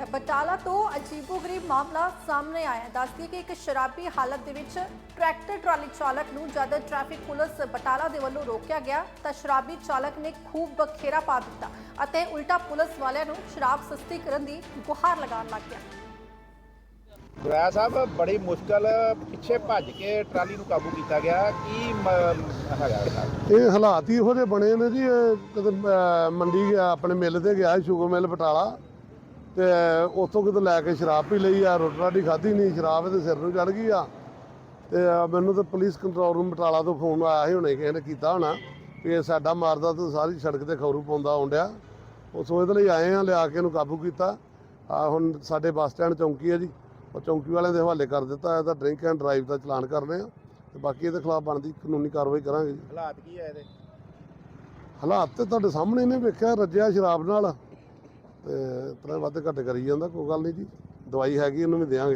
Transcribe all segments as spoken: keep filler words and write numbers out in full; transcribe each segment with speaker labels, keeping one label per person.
Speaker 1: ਹੈ। ਬਟਾਲਾ ਤੋਂ ਅਜੀਬੋ-ਗਰੀਬ ਮਾਮਲਾ ਸਾਹਮਣੇ ਆਇਆ ਹੈ। ਦੱਸਦੀ ਕਿ ਇੱਕ ਸ਼ਰਾਬੀ ਹਾਲਤ ਦੇ ਵਿੱਚ ਟਰੈਕਟਰ ਟਰਾਲੀ ਚਾਲਕ ਨੂੰ ਜਦ ਟ੍ਰੈਫਿਕ ਪੁਲਿਸ ਬਟਾਲਾ ਦੇ ਵੱਲੋਂ ਰੋਕਿਆ ਗਿਆ ਤਾਂ ਸ਼ਰਾਬੀ ਚਾਲਕ ਨੇ ਖੂਬ ਬਖੇਰਾ ਪਾ ਦਿੱਤਾ ਅਤੇ ਉਲਟਾ ਪੁਲਿਸ ਵਾਲਿਆਂ ਨੂੰ ਸ਼ਰਾਬ ਸਸਤੀ ਕਰਨ ਦੀ ਗੁਹਾਰ ਲਗਾਉਣ ਲੱਗ ਗਿਆ।
Speaker 2: ਗੁਰਾਇਆ ਸਾਹਿਬ ਬੜੀ ਮੁਸ਼ਕਲ ਪਿੱਛੇ ਭੱਜ ਕੇ ਟਰਾਲੀ ਨੂੰ ਕਾਬੂ ਕੀਤਾ ਗਿਆ। ਕੀ ਹੈਗਾ
Speaker 3: ਇਹ ਹਾਲਾਤ ਹੀ ਇਹੋ ਜਿਹੇ ਬਣੇ ਨੇ ਜੀ। ਇਹ ਕਦੇ ਮੰਡੀ ਗਿਆ, ਆਪਣੇ ਮਿੱਲ ਤੇ ਗਿਆ ਸ਼ੂਗਰ ਮਿੱਲ ਬਟਾਲਾ, ਤੇ ਉੱਥੋਂ ਕਿਤੇ ਲੈ ਕੇ ਸ਼ਰਾਬ ਪੀ ਲਈ ਆ। ਰੋਟੀ ਰਾਟੀ ਖਾਧੀ ਨਹੀਂ, ਸ਼ਰਾਬ ਇਹਦੇ ਸਿਰ ਨੂੰ ਚੜ ਗਈ ਆ। ਤੇ ਮੈਨੂੰ ਤਾਂ ਪੁਲਿਸ ਕੰਟਰੋਲ ਰੂਮ ਬਟਾਲਾ ਤੋਂ ਫੋਨ ਆਇਆ ਸੀ, ਹੁਣੇ ਕਿਸੇ ਨੇ ਕੀਤਾ ਹੋਣਾ ਵੀ ਇਹ ਸਾਡਾ ਮਾਰਦਾ ਤਾਂ ਸਾਰੀ ਸੜਕ ਤੇ ਖੌਰੂ ਪਾਉਂਦਾ ਆਉਂਦਿਆ। ਉਸ ਉਹਦੇ ਲਈ ਆਏ ਆ, ਲਿਆ ਕੇ ਇਹਨੂੰ ਕਾਬੂ ਕੀਤਾ। ਆ ਹੁਣ ਸਾਡੇ ਬੱਸ ਸਟੈਂਡ ਚੌਂਕੀ ਹੈ ਜੀ, ਉਹ ਚੌਂਕੀ ਵਾਲਿਆਂ ਦੇ ਹਵਾਲੇ ਕਰ ਦਿੱਤਾ। ਇਹਦਾ ਡਰਿੰਕ ਐਂਡ ਡਰਾਈਵ ਦਾ ਚਲਾਨ ਕਰਨੇ ਆ ਤੇ ਬਾਕੀ ਇਹਦੇ ਖਿਲਾਫ ਬਣਦੀ ਕਾਨੂੰਨੀ ਕਾਰਵਾਈ ਕਰਾਂਗੇ ਜੀ।
Speaker 2: ਹਾਲਾਤ ਕੀ ਹੈ ਇਹਦੇ?
Speaker 3: ਹਾਲਾਤ ਤੇ ਤੁਹਾਡੇ ਸਾਹਮਣੇ ਨੇ ਵੇਖਿਆ, ਰੱਜਿਆ ਸ਼ਰਾਬ ਨਾਲ ਤੇ ਤਰ੍ਹਾਂ ਵੱਧ ਘੱਟ ਕਰੀ ਜਾਂਦਾ। ਕੋਈ ਗੱਲ ਨਹੀਂ ਜੀ, ਦਵਾਈ ਹੈਗੀ ਇਹਨੂੰ ਵੀ ਦੇਵਾਂਗੇ।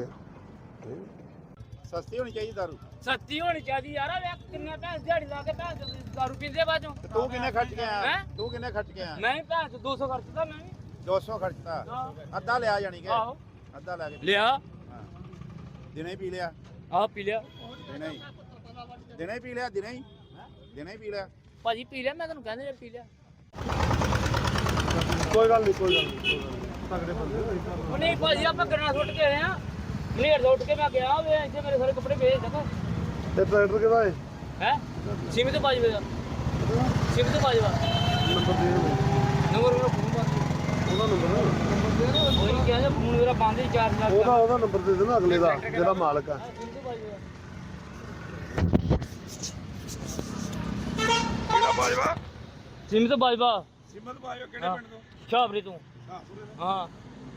Speaker 2: ਸਸਤੀ ਹੋਣੀ ਚਾਹੀਦੀ ਦਾਰੂ,
Speaker 4: ਸਸਤੀ ਹੋਣੀ ਚਾਹੀਦੀ ਯਾਰ। ਵੇਖ ਕਿੰਨੇ ਪੈਸੇ ਦਿਹਾੜੀ ਲਾ ਕੇ ਭੈਣ ਦਾਰੂ ਪੀਂਦੇ ਬਾਜੋਂ।
Speaker 2: ਤੂੰ ਕਿੰਨੇ ਖਰਚ ਕੇ ਆਇਆ? ਤੂੰ ਕਿੰਨੇ ਖਰਚ ਕੇ ਆਇਆ?
Speaker 4: ਮੈਂ ਭੈਣ ਦੋ ਸੌ ਖਰਚਦਾ। ਮੈਂ ਵੀ
Speaker 2: ਦੋ ਸੌ ਖਰਚਤਾ, ਅੱਧਾ ਲਿਆ ਜਾਣੀ ਕਿ
Speaker 4: ਆਹੋ
Speaker 2: ਅੱਧਾ ਲੈ ਕੇ
Speaker 4: ਲਿਆ।
Speaker 2: ਦਿਨੇ ਹੀ ਪੀ ਲਿਆ?
Speaker 4: ਆਹ ਪੀ ਲਿਆ
Speaker 2: ਦਿਨੇ ਹੀ ਦਿਨੇ ਹੀ ਪੀ ਲਿਆ? ਦਿਨੇ ਹੀ ਦਿਨੇ ਹੀ ਪੀ ਲਿਆ
Speaker 4: ਭਾਜੀ, ਪੀ ਲਿਆ। ਮੈਂ ਤੁਹਾਨੂੰ ਕਹਿੰਦੇ ਪੀ ਲਿਆ।
Speaker 3: ਕੋਈ ਗੱਲ ਨਹੀਂ, ਕੋਈ ਗੱਲ ਨਹੀਂ, ਤਗੜੇ ਬੰਦੇ
Speaker 4: ਉਹ ਨਹੀਂ ਭਾਜੀ, ਆਪਾਂ ਗਰਨਾ ਸੁੱਟ ਕੇ ਆਏ ਆ। ਮਲੇਰ ਤੋਂ ਉੱਠ ਕੇ ਮੈਂ ਗਿਆ ਵੇ, ਇੱਥੇ ਮੇਰੇ ਸਾਰੇ ਕੱਪੜੇ ਵੇਚ ਸਕੋ।
Speaker 3: ਤੇ ਟਰੈਕਟਰ ਕਿਹਦਾ ਹੈ?
Speaker 4: ਹੈ ਸਿਮ ਤੋਂ ਬਾਜਵੇ ਦਾ, ਸਿਮ ਤੋਂ ਬਾਜਵਾ
Speaker 3: ਨੰਬਰ ਦੇ
Speaker 4: ਨੰਬਰ ਮੇਰਾ ਫੋਨ ਬੰਦ।
Speaker 3: ਉਹਦਾ ਨੰਬਰ
Speaker 4: ਕੋਈ ਨਹੀਂ ਕਿਹਾ, ਫੋਨ ਮੇਰਾ ਬੰਦ ਹੀ ਚਾਰਜ ਲੱਗ
Speaker 3: ਉਹਦਾ ਉਹਦਾ ਨੰਬਰ ਦੇ ਦੇਣਾ ਅਗਲੇ ਦਾ, ਜਿਹੜਾ ਮਾਲਕ ਆ।
Speaker 2: ਕਿਹੜਾ ਬਾਜਵਾ?
Speaker 4: ਸਿਮ ਤੋਂ ਬਾਜਵਾ।
Speaker 2: ਸਿਮਤ ਬਾਜਵਾ ਕਿਹੜੇ ਪਿੰਡ ਤੋਂ?
Speaker 4: ਸ਼ਾਹਪੁਰੇ ਤੋਂ।
Speaker 2: ਹਾਂ,
Speaker 4: ਹਾਂ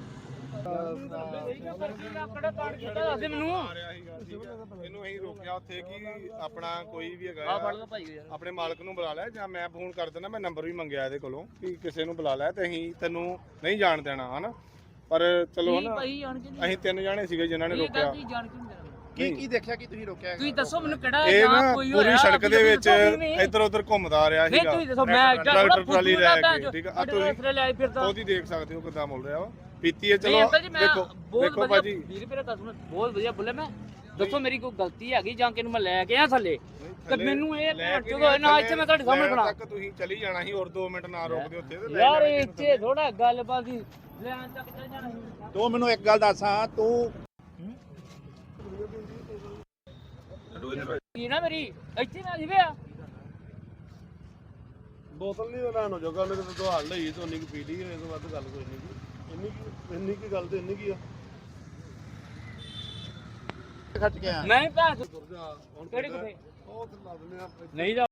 Speaker 4: ਮੈਨੂੰ
Speaker 5: ਇਹਨੂੰ ਅਸੀਂ ਰੋਕਿਆ ਉੱਥੇ ਕਿ ਆਪਣਾ ਕੋਈ ਵੀ
Speaker 4: ਆ
Speaker 5: ਹੈਗਾ
Speaker 4: ਫੜ ਲਓ ਭਾਈ ਯਾਰ।
Speaker 5: ਆਪਣੇ ਮਾਲਕ ਨੂੰ ਬੁਲਾ ਲੈ, ਜਾਂ ਮੈਂ ਫੋਨ ਕਰ ਦਿੰਦਾ। ਮੈਂ ਨੰਬਰ ਵੀ ਮੰਗਿਆ ਇਹਦੇ ਕੋਲੋਂ ਕਿ ਕਿਸੇ ਨੂੰ ਬੁਲਾ ਲੈ, ਤੇ ਅਸੀਂ ਤੈਨੂੰ ਨਹੀਂ ਜਾਣ ਦੇਣਾ ਹਨਾ। ਪਰ ਚਲੋ ਹਨਾ,
Speaker 4: ਭਾਈ ਜਾਣ ਕੇ
Speaker 5: ਅਸੀਂ ਤਿੰਨ ਜਾਣੇ ਸੀਗੇ ਜਿਨ੍ਹਾਂ ਨੇ ਰੋਕਿਆ।
Speaker 4: ਜਾਣ ਕੇ ਨਹੀਂ ਦੇਣਾ।
Speaker 2: ਕੀ ਕੀ ਦੇਖਿਆ ਕਿ ਤੁਸੀਂ ਰੋਕਿਆ?
Speaker 4: ਤੁਸੀਂ ਦੱਸੋ ਮੈਨੂੰ ਕਿਹੜਾ
Speaker 5: ਇਹ
Speaker 4: ਜਾਂ
Speaker 5: ਨਾ
Speaker 4: ਕੋਈ
Speaker 5: ਪੂਰੀ
Speaker 4: ਹੋਇਆ,
Speaker 5: ਸੜਕ ਦੇ ਵਿੱਚ
Speaker 4: ਨਹੀਂ
Speaker 5: ਇੱਧਰ ਉੱਧਰ ਘੁੰਮਦਾ ਰਿਹਾ
Speaker 4: ਨਹੀਂ
Speaker 5: ਸੀਗਾ।
Speaker 4: ਤੁਸੀਂ ਦੱਸੋ, ਮੈਂ
Speaker 5: ਟਰੈਕਟਰ ਟਰਾਲੀ ਲੈ ਕੇ, ਠੀਕ ਆ। ਆ
Speaker 4: ਤੁਸੀਂ
Speaker 5: ਤੁਸੀਂ
Speaker 4: ਲੈ ਫਿਰਦਾ
Speaker 5: ਉਹਦੀ ਦੇਖ ਸਕਦੇ ਹੋ ਕਿੱਦਾਂ ਮੁੜ ਰਿਹਾ ਵਾ। ਪੀਤੀ ਹੈ
Speaker 4: ਨਹੀਂ
Speaker 5: ਚਲੋ।
Speaker 4: ਅੰਕਲ ਜੀ, ਮੈਂ
Speaker 5: ਦੇਖੋ
Speaker 4: ਬਹੁਤ
Speaker 5: ਦੇਖੋ
Speaker 4: ਵਧੀਆ
Speaker 5: ਭਾਜੀ,
Speaker 4: ਵੀਰ ਮੇਰਾ ਕਸਮ ਬਹੁਤ ਵਧੀਆ ਬੋਲੇ। ਮੈਂ ਦੱਸੋ ਮੇਰੀ ਕੋਈ ਗਲਤੀ ਹੈਗੀ ਜਾਂ ਕਿ ਨੂੰ ਮੈਂ ਲੈ ਕੇ ਆ ਥੱਲੇ, ਤੇ ਮੈਨੂੰ ਇਹ
Speaker 5: ਲੈ ਕੇ
Speaker 4: ਜਦੋਂ ਨਾ ਇੱਥੇ ਮੈਂ ਤੁਹਾਡੇ ਸਾਹਮਣੇ
Speaker 5: ਲੈਣ
Speaker 4: ਖੜਾ
Speaker 5: ਤੱਕ ਤੁਸੀਂ ਚਲੀ ਜਾਣਾ ਸੀ, ਹੋਰ ਦੋ ਮਿੰਟ ਨਾ ਰੋਕਦੇ ਉੱਥੇ ਤੇ ਲੈ
Speaker 4: ਯਾਰ।
Speaker 5: ਜਾਣਾ ਸੀ
Speaker 4: ਇੱਥੇ ਥੋੜਾ ਗੱਲਬਾਤ ਦੀ ਲੈਣ ਤੱਕ ਚੱਲ ਜਾਣਾ ਸੀ।
Speaker 2: ਤੂੰ ਮੈਨੂੰ ਇੱਕ ਗੱਲ ਦੱਸ, ਹਾਂ ਤੂੰ
Speaker 4: ਕੀ ਨਾ ਮੇਰੀ ਇੱਥੇ ਨਾ ਜਿਵੇਂ ਆ
Speaker 3: ਬੋਤਲ ਨਹੀਂ ਲੈਣ ਹੋ ਜਾਊਗਾ, ਉਹਨੇ ਕਿਤੇ ਦੁਹਾਰ ਲਈ ਤੇ ਉਨੀ ਕੁ ਪੀ ਲਈ। ਇਹ ਤੋਂ ਵੱਧ ਗੱਲ ਕੋਈ ਨਹੀਂ। ਇੰਨੀ ਕੀ ਇੰਨੀ ਕੀ ਗੱਲ ਤੇ ਇੰਨੀ ਕੀ ਆ।
Speaker 2: ਖਰਚ ਕੇ ਆਇਆ?
Speaker 4: ਮੈਂ ਭੈਣ
Speaker 3: ਹੁਣ
Speaker 4: ਕਿਹੜੀ ਕਿਥੇ
Speaker 3: ਉਹ ਤੇ ਲਾ ਦਿੰਦੇ ਆ।
Speaker 4: ਨਹੀਂ